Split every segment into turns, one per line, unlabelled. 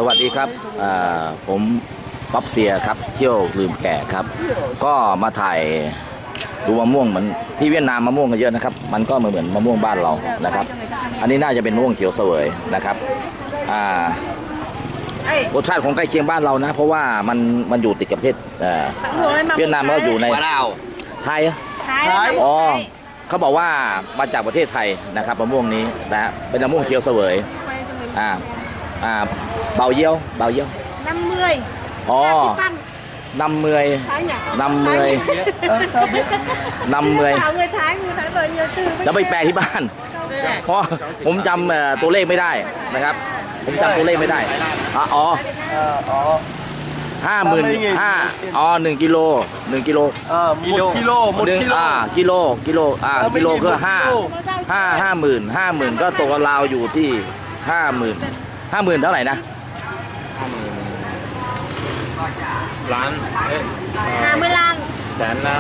วัสดีครับผมป๊อปเซียครับเที่ยวลืมแก่ครับก็มาถ่ายดูมะม่วงเหมือนที่เวียดนามมะม่วงกันเยอะนะครับมันก็เหมือนมะม่วงบ้านเรานะครับอันนี้น่าจะเป็นมะม่วงเขียวเสวยนะครับรสชาติของใกล้เคียงบ้านเรานะเพราะว่ามันอยู่ติดกับประเทศเวียดนามก็อยู่ในไทยอ๋อเขาบอกว่ามาจากประเทศไทยนะครับมะม่วงนี้นะเป็นมะม่วงเขียวเสวยเบาเยี่ยว50 อ๋อ50 แล้วไปแปลที่บ้านเพราะผมจำตัวเลขไม่ได้นะครับผมจำตัวเลขไม่ได้อ๋อ55,000อ๋อ1 กิโลกิโลก็50,000ก็ตกราวอยู่ที่50,000เท่าไหร่นะ
ล้าน
50 ล้าน
แสนละ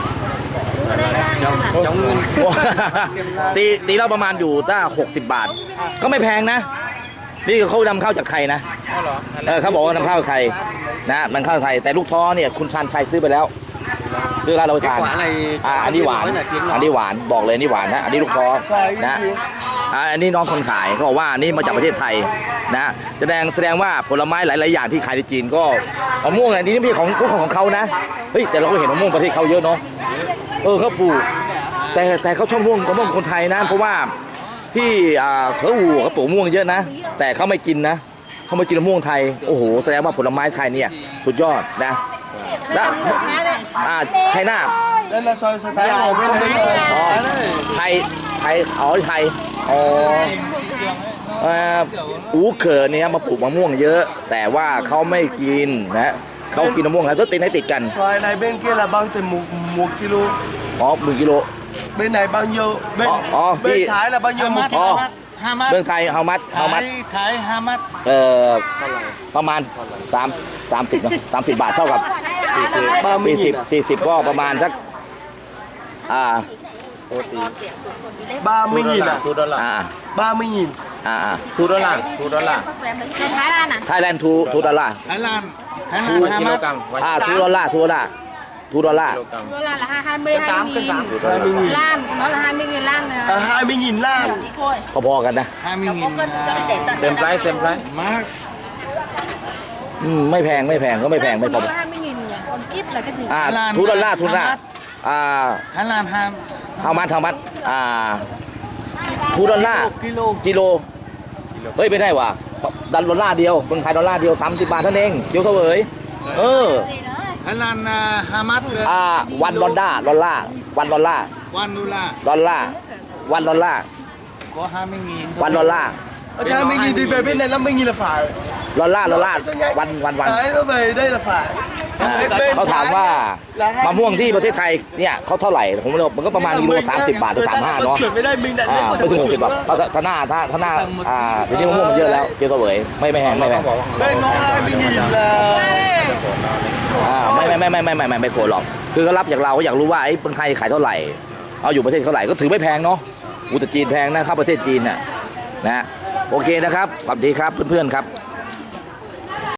ตีเราประมาณอยู่ถ้า60 บาทก็ไม่แพงนะนี่เขานำเข้าจากไทยนะเขาบอกว่านำเข้าจากไทยนะมันเข้าจากไทยแต่ลูกท้อเนี่ยคุณชันชัยซื้อไปแล้วซื้อการเราทานอันนี้หวานบอกเลยนี่หวานนะอันนี้ลูกท้อนะอันนี้น้องคนขายเขาบอกว่านี่มาจากประเทศไทยนะแสดงว่าผลไม้หลายๆอย่างที่ขายในจีนก็มะม่วงอันนี้ไม่ใช่ของเขานะเฮ้ยแต่เราก็เห็นมะม่วงประเทศเขาเยอะเนาะเขาปลูกแต่เขาชอบมะม่วงคนไทยนะเพราะว่าที่เขาปลูกมะม่วงเยอะนะแต่เขาไม่กินนะเขาไม่กินมะม่วงไทยโอ้โหแสดงว่าผลไม้ไทยเนี่ยสุดยอดนะแล้วไชน่าไทยอูเขอเนี่ยมาปลูกมะม่วงเยอะแต่ว่าเขาไม่กินนะเขากินมะม่วงแล้วก็ติดกัน
ซอยในbên kia là bao tiền một kilo
1 กิโล
bên này bao nhiêu bên Thái là bao nhiêu một kilo
เมืองไทยเฮามัด
ไทย5 มัด
ประมาณ30นะ30 บาทเท่ากับ40ก็ประมาณสัก
30.000 à? 30.000.
$2
Thái Lan
$2 $2
Thái Lan 5 มัด
$2
là 22.000 lan nó là 20.000 lan
20.000 lan
พอๆกันนะ
เต็มไพรส์มาก
ไม่แพงก็ไม่แพงไม่พอ
20.000 nhỉ còn kíp là cái gì
$2 Thái
Lan
how much $2 กิโลเฮ้ยไม่ได้ว่ะ$1เดียวเมืองไทย$1เดียว30 บาทเท่านั้นเองเดี๋ยวเสวย
Thái Lan 5 มัด
$1$1
có 20.000
$1
20.000 thì về bên này 50.000 là phải
$1
Thái nó về đây là phải
เขาถามว่ามะม่วงที่ประเทศไทยเนี่ยเขาเท่าไหร่ผมบอกมันก็ประมาณกิโล30 บาทหรือ35เนาะไม่ถึง60 บาทถ้าหน้าทีนี้มะม่วงมันเยอะแล้วเกี่ยวกับเวยไม่แพง
bên nó 20.000 là
ไม่โกรธหรอกคือเขารับจากเราก็อยากรู้ว่าไอ้คนไทยขายเท่าไหร่เอาอยู่ประเทศเท่าไหร่ก็ถือไม่แพงเนาะแต่จีนแพงนะเข้าประเทศจีนน่ะนะโอเคนะครับสวัสดีครับเพื่อนๆครับ